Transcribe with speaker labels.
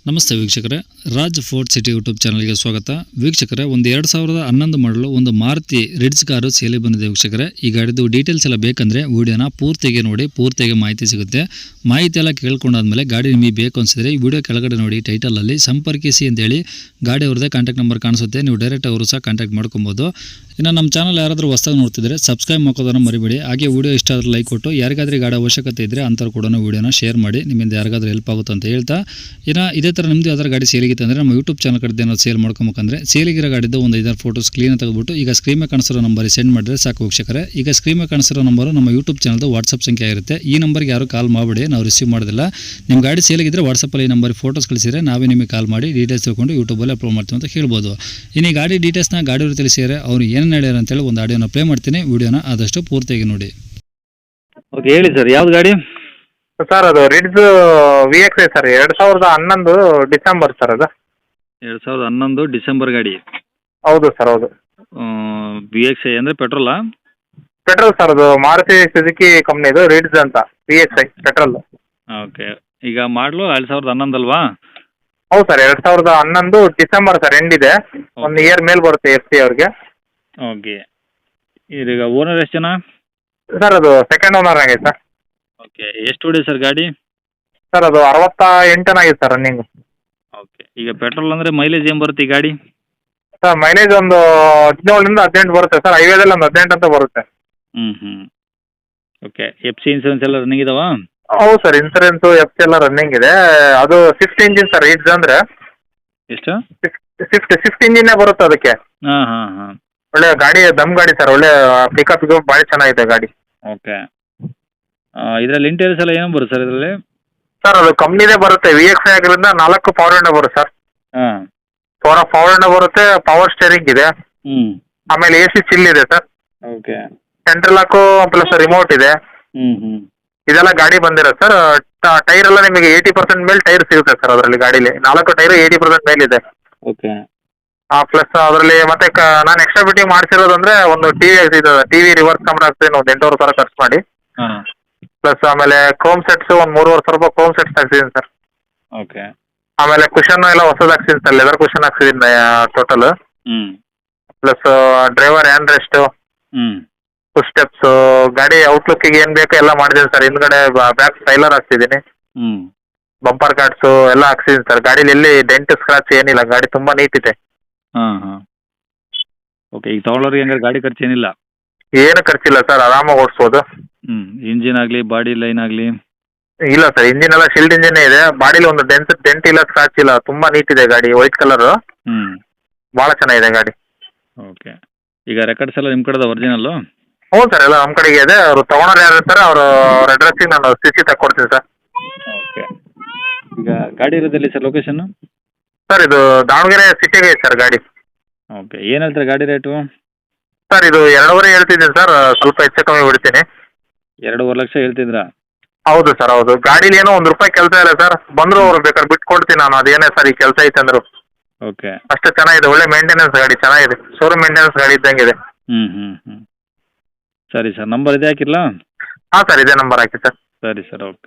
Speaker 1: ನಮಸ್ತೆ ವೀಕ್ಷಕರೇ, Raj fort city YouTube ಚಾನಲ್ಗೆ ಸ್ವಾಗತ. ವೀಕ್ಷಕರೇ, ಒಂದು 2011 ಮಾಡಲು ಒಂದು ಮಾರುತಿ ರಿಡ್ಜ್ ಕಾರು ಸೇಲಿ ಬಂದಿದೆ ವೀಕ್ಷಕರೇ. ಈ ಗಾಡಿದು ಡೀಟೇಲ್ಸ್ ಎಲ್ಲ ಬೇಕಂದರೆ ವಿಡಿಯೋನ ಪೂರ್ತಿಗೆ ನೋಡಿ, ಪೂರ್ತಿಗೆ ಮಾಹಿತಿ ಸಿಗುತ್ತೆ. ಮಾಹಿತಿ ಎಲ್ಲ ಕೇಳ್ಕೊಂಡಾದ್ಮೇಲೆ ಗಾಡಿ ನಿಮಗೆ ಬೇಕು ಅನಿಸಿದ್ರೆ ಈ ವಿಡಿಯೋ ಕೆಳಗಡೆ ನೋಡಿ ಟೈಟಲಲ್ಲಿ ಸಂಪರ್ಕಿಸಿ ಅಂತೇಳಿ ಗಾಡಿ ಅವ್ರದ್ದೇ ಕಾಂಟ್ಯಾಕ್ಟ್ ನಂಬರ್ ಕಾಣಿಸುತ್ತೆ. ನೀವು ಡೈರೆಕ್ಟ್ ಅವರು ಸಹ ಕಾಂಟ್ಯಾಕ್ಟ್ ಮಾಡ್ಕೊಬೋದು. ಇನ್ನು ನಮ್ಮ ಚಾನಲ್ ಯಾರಾದರೂ ಹೊಸದಾಗಿ ನೋಡ್ತಿದ್ರೆ ಸಬ್ಸ್ಕ್ರೈಬ್ ಮಾಡ್ಕೋದನ್ನು ಮರಿಬೇಡಿ. ಹಾಗೆ ವಿಡಿಯೋ ಇಷ್ಟ ಆದರೆ ಲೈಕ್ ಕೊಟ್ಟು ಯಾರಿಗಾದ್ರೂ ಗಾಡಿ ಅವಶ್ಯಕತೆ ಇದ್ದರೆ ಅಂಥವ್ರು ಕೂಡ ವಿಡಿಯೋನ ಶೇರ್ ಮಾಡಿ, ನಿಮ್ಮಿಂದ ಯಾರಿಗಾದ್ರೂ ಹೆಲ್ಪ್ ಆಗುತ್ತೆ ಅಂತ ಹೇಳ್ತಾ, ಇನ್ನು ಇದೇ ಥರ ನಿಮ್ಮದು ಯಾವ್ದಾರು ಗಾಡಿ ಸೇಲಿಗಿತ್ತು ಅಂದರೆ ನಮ್ಮ ಯೂಟ್ಯೂಬ್ ಚಾನಲ್ ಕಡೆ ಏನಾದ್ರು ಸೇಲ್ ಮಾಡ್ಕೊಬೇಕಂದ್ರೆ ಸೇಲಿಗಿರೋ ಗಾಡಿದ್ದು ಒಂದು 5 ಫೋಟೋಸ್ ಕ್ಲೀನ್ ತೆಗೆದುಬಿಟ್ಟು ಈಗ ಸ್ಕ್ರೀನ್ ಮೇಲೆ ಕಾಣಿಸಿರೋ ನಂಬರಿಗೆ ಸೆಂಡ್ ಮಾಡಿದ್ರೆ ಸಾಕು ವೀಕ್ಷಕರೇ. ಈಗ ಸ್ಕ್ರೀನ್ ಮೇಲೆ ಕಾಣಿಸಿರೋ ನಂಬರು ನಮ್ಮ ಯೂಟ್ಯೂಬ್ ಚಾನಲ್ದು ವಾಟ್ಸಪ್ ಸಂಖ್ಯೆ ಆಗಿರುತ್ತೆ. ಈ ನಂಬರ್ಗೆ ಯಾರು ಕಾಲ್ ಮಾಡಬೇಡಿ, ನಾವು ರಿಸೀವ್ ಮಾಡೋದಿಲ್ಲ. ನಿಮ್ಮ ಗಾಡಿ ಸೇಲಿಗಿದ್ರೆ ವಾಟ್ಸಪ್ಪಲ್ಲಿ ಈ ನಂಬರಿಗೆ ಫೋಟೋಸ್ ಕಳಿಸಿದ್ರೆ ನಾವೇ ನಿಮಗೆ ಕಾಲ್ ಮಾಡಿ ಡೀಟೇಲ್ಸ್ ತಿಳ್ಕೊಂಡು ಯೂಟ್ಯೂಬಲ್ಲಿ ಅಪ್ಲೋಡ್ ಮಾಡ್ತೀವಿ ಅಂತ ಹೇಳ್ಬೋದು. ಇನ್ನು ಈ ಗಾಡಿ ಡೀಟೇಲ್ಸ್ನ ಗಾಡಿಯವರು ತಿಳಿಸಿದರೆ ಅವ್ರು ಏನೇನು ಹೇಳ್ಯಾರ ಅಂತೇಳಿ ಒಂದು ಆಡಿಯೋನ ಪ್ಲೇ ಮಾಡ್ತೀನಿ. ವಿಡಿಯೋನ ಆದಷ್ಟು ಪೂರ್ತಿಯಾಗಿ ನೋಡಿ.
Speaker 2: ಓಕೆ, ಹೇಳಿ ಸರ್, ಯಾವ್ದು ಗಾಡಿ?
Speaker 3: ಸರ್ ಅದು Ritz VXI sir, 2011 December sir ಅದು.
Speaker 2: 2011 ಡಿಸೆಂಬರ್ ಗಾಡಿ.
Speaker 3: ಹೌದು ಸರ್, ಹೌದು.
Speaker 2: VXI ಅಂದರೆ ಪೆಟ್ರೋಲಾ?
Speaker 3: ಪೆಟ್ರೋಲ್ ಸರ್, ಅದು ಮಾರುತಿ ಸುಜುಕಿ ಕಂಪ್ನಿದು ರಿಡ್ಜ್ ಅಂತ VXI ಪೆಟ್ರೋಲ್.
Speaker 2: ಓಕೆ, ಈಗ ಮಾಡಲು 2011 ಅಲ್ವಾ?
Speaker 3: ಹೌದು ಸರ್, 2011 ಡಿಸೆಂಬರ್ ಸರ್, ಎಂಡ್ ಇದೆ. ಒಂದು ಇಯರ್ ಮೇಲೆ ಬರುತ್ತೆ FC ಅವ್ರಿಗೆ.
Speaker 2: ಓಕೆ, ಈಗ ಓನರ್ ಎಷ್ಟು ಜನ?
Speaker 3: ಸರ್ ಅದು ಸೆಕೆಂಡ್ ಓನರ್ ಆಗೈತೆ ಸರ್.
Speaker 2: ಓಕೆ, ಎಷ್ಟು ಹೊಡಿ ಸರ್ ಗಾಡಿ?
Speaker 3: ಸರ್ ಅದು 68 ಆಗಿದೆ ಸರ್ ರನ್ನಿಂಗ್.
Speaker 2: ಓಕೆ, ಈಗ ಪೆಟ್ರೋಲ್ ಅಂದರೆ ಮೈಲೇಜ್ ಏನು ಬರುತ್ತೆ ಈ ಗಾಡಿ?
Speaker 3: ಸರ್ ಮೈಲೇಜ್ ಒಂದು 17ರಿಂದ 18 ಬರುತ್ತೆ ಸರ್. ಹೈವೇದಲ್ಲಿ ಒಂದು 18 ಅಂತ ಬರುತ್ತೆ.
Speaker 2: ಹ್ಞೂ. ಓಕೆ, FC ಇನ್ಸೂರೆನ್ಸ್ ಎಲ್ಲ ರನ್ನಿಂಗ್ ಇದಾವಾ?
Speaker 3: ಹೌದು ಸರ್, ಇನ್ಸೂರೆನ್ಸು FC ಎಲ್ಲ ರನ್ನಿಂಗ್ ಇದೆ. ಅದು ಸ್ವಿಫ್ಟ್ ಇಂಜಿನ್ ಸರ್, ರಿಡ್ಜ್ ಅಂದರೆ
Speaker 2: ಎಷ್ಟು?
Speaker 3: ಸ್ವಿಫ್ಟ್ ಇಂಜಿನ್ನೇ ಬರುತ್ತೆ ಅದಕ್ಕೆ.
Speaker 2: ಹಾಂ.
Speaker 3: ಒಳ್ಳೆ ಗಾಡಿ, ದಮ್ ಗಾಡಿ ಸರ್, ಒಳ್ಳೆ ಪಿಕಪ್ ಭಾಳ ಚೆನ್ನಾಗಿದೆ ಗಾಡಿ.
Speaker 2: ಓಕೆ, ಇದರಲ್ಲಿ ಇಂಟೀರಿಯರ್ಸ್ ಎಲ್ಲ ಏನು ಬರುತ್ತೆ ಸರ್ ಇದರಲ್ಲಿ?
Speaker 3: ಸರ್ ಅದು ಕಂಪ್ನಿದೇ ಬರುತ್ತೆ. VXI ಆಗಿರೋದ್ರಿಂದ 4 ಪವರ್ ವಿಂಡೋ ಬರುತ್ತೆ ಸರ್.
Speaker 2: ಹಾಂ.
Speaker 3: ಪವರ್ ವಿಂಡೋ ಬರುತ್ತೆ, ಪವರ್ ಸ್ಟೇರಿಂಗ್ ಇದೆ, ಆಮೇಲೆ AC ಚಿಲ್ ಇದೆ sir.
Speaker 2: Okay,
Speaker 3: central lock plus remote ಇದೆ.
Speaker 2: ಹ್ಞೂ.
Speaker 3: ಇದೆಲ್ಲ ಗಾಡಿ ಬಂದಿರುತ್ತೆ ಸರ್. ಟೈರ್ ಎಲ್ಲ ನಿಮಗೆ 80% ಮೇಲೆ ಟೈರ್ ಸಿಗುತ್ತೆ ಸರ್ ಅದರಲ್ಲಿ. ಗಾಡೀಲಿ 4 ಟೈರು 80% ಮೇಲಿದೆ.
Speaker 2: ಓಕೆ.
Speaker 3: ಪ್ಲಸ್ ಅದರಲ್ಲಿ ಮತ್ತೆ ನಾನು ಎಕ್ಸ್ಟ್ರಾ ಫಿಟ್ಟಿಂಗ್ ಮಾಡಿಸಿರೋದಂದ್ರೆ ಒಂದು ಟಿವಿ ರಿವರ್ಸ್ ಕ್ಯಾಮ್ರಾ ಹಾಕ್ತೀನಿ, ಒಂದು 8,000 ಖರ್ಚು ಮಾಡಿ.
Speaker 2: ಹಾಂ.
Speaker 3: ಪ್ಲಸ್ ಆಮೇಲೆ ಕ್ರೋಮ್ ಸೆಟ್ಸ್ ಒಂದು 3,500 ಕ್ರೋಮ್ ಸೆಟ್ಸ್ ಹಾಕ್ಸಿದ್ದೀನಿ ಸರ್.
Speaker 2: ಓಕೆ. ಆಮೇಲೆ
Speaker 3: ಕುಷನ್ ಎಲ್ಲ ಹೊಸದು ಹಾಕ್ಸಿದ್ದೀನಿ ಸರ್, ಲೆದರ್ ಕುಷನ್ ಹಾಕ್ಸಿದ್ದೀನಿ ಟೋಟಲ್.
Speaker 2: ಹ್ಞೂ.
Speaker 3: Plus driver hand rest, foot steps, ಗಾಡಿ ಔಟ್ಲುಕ್ಕಿಗೆ ಏನು ಬೇಕೋ ಎಲ್ಲ ಮಾಡಿದ್ದೀನಿ ಸರ್. ಹಿಂದ್ಗಡೆ ಬ್ಯಾಕ್ ಸ್ಟೈಲರ್ ಹಾಕ್ಸಿದ್ದೀನಿ, ಬಂಪರ್ ಕಾರ್ಡ್ಸು ಎಲ್ಲ ಹಾಕ್ಸಿದ್ದೀನಿ ಸರ್. ಗಾಡೀಲಿ ಎಲ್ಲಿ ಡೆಂಟ್ ಸ್ಕ್ರಾಚ್ ಏನಿಲ್ಲ, ಗಾಡಿ ತುಂಬ ನೀಟ್ ಇದೆ.
Speaker 2: ಹಾಂ. ಓಕೆ, ಈಗ ತೊಗೊಳೋರಿಗೆ ಹಂಗಾರೆ ಗಾಡಿ ಖರ್ಚು ಏನಿಲ್ಲ?
Speaker 3: ಏನು ಖರ್ಚಿಲ್ಲ ಸರ್, ಆರಾಮಾಗಿ ಓಡಿಸ್ಬೋದು.
Speaker 2: ಇಂಜಿನ್ ಆಗಲಿ ಬಾಡಿ ಲೈನ್ ಆಗಲಿ?
Speaker 3: ಇಲ್ಲ ಸರ್, ಇಂಜಿನ್ ಎಲ್ಲ ಶಿಲ್ಡ್ ಇಂಜಿನ್ನೇ ಇದೆ. ಬಾಡಿಲಿ ಒಂದು ಡೆಂಟ್ ಇಲ್ಲ, ಸ್ಕ್ರಾಚ್ ಇಲ್ಲ, ತುಂಬ ನೀಟ್ ಇದೆ ಗಾಡಿ. ವೈಟ್ ಕಲರು, ಭಾಳ ಚೆನ್ನಾಗಿದೆ ಗಾಡಿ.
Speaker 2: ಓಕೆ, ಈಗ ರೆಕಾರ್ಡ್ಸ್ ಎಲ್ಲ ನಿಮ್ಮ ಕಡೆದ ಒರಿಜಿನಲ್ಲು?
Speaker 3: ಹ್ಞೂ ಸರ್, ಎಲ್ಲ ನಮ್ಮ ಕಡೆಗೆ ಇದೆ. ಅವರು ತೊಗೊಳೋರು ಯಾರು ಇರ್ತಾರೆ ಅವ್ರ ಅಡ್ರೆಸ್ಸಿಗೆ ನಾನು CC ತಗೊಡ್ತೀನಿ ಸರ್.
Speaker 2: ಓಕೆ, ಈಗ ಗಾಡಿ ಇರೋದಲ್ಲಿ ಸರ್ ಲೊಕೇಶನ್ನು?
Speaker 3: ಸರ್ ಇದು ದಾವಣಗೆರೆ ಸಿಟಿಗೆ ಇದೆ ಸರ್ ಗಾಡಿ.
Speaker 2: ಓಕೆ, ಏನು ಹೇಳ್ತಾರೆ ಗಾಡಿ ರೇಟು?
Speaker 3: ಸರ್ ಇದು 2.5 ಹೇಳ್ತಿದ್ದೀನಿ ಸರ್, ಸ್ವಲ್ಪ ಹೆಚ್ಚು ಕಮ್ಮಿ ಬಿಡ್ತೀನಿ.
Speaker 2: 2.5 ಲಕ್ಷ ಹೇಳ್ತಿದ್ರಾ?
Speaker 3: ಹೌದು ಸರ್, ಹೌದು. ಗಾಡೀಲಿ ಏನೋ 1 ರೂಪಾಯಿ ಕೆಲಸ ಇಲ್ಲ ಸರ್. ಬಂದರೂ ಅವ್ರು ಬೇಕಾದ್ರೆ ಬಿಟ್ಟು ಕೊಡ್ತೀನಿ ನಾನು. ಅದೇನೇ ಸರ್ ಈ ಕೆಲಸ ಐತೆ ಅಂದರು.
Speaker 2: ಓಕೆ,
Speaker 3: ಅಷ್ಟು ಚೆನ್ನಾಗಿದೆ, ಒಳ್ಳೆ ಮೇಂಟೆನೆನ್ಸ್ ಗಾಡಿ, ಚೆನ್ನಾಗಿದೆ. ಶೋರೂಮ್ ಮೇಂಟೆನೆನ್ಸ್ ಗಾಡಿ ಇದ್ದಂಗಿದೆ.
Speaker 2: ಹ್ಞೂ. ಸರಿ ಸರ್, ನಂಬರ್ ಇದೆ ಹಾಕಿರಲಾ?
Speaker 3: ಹಾಂ ಸರ್, ಇದೇ ನಂಬರ್ ಹಾಕಿ ಸರ್.
Speaker 2: ಸರಿ ಸರ್, ಓಕೆ.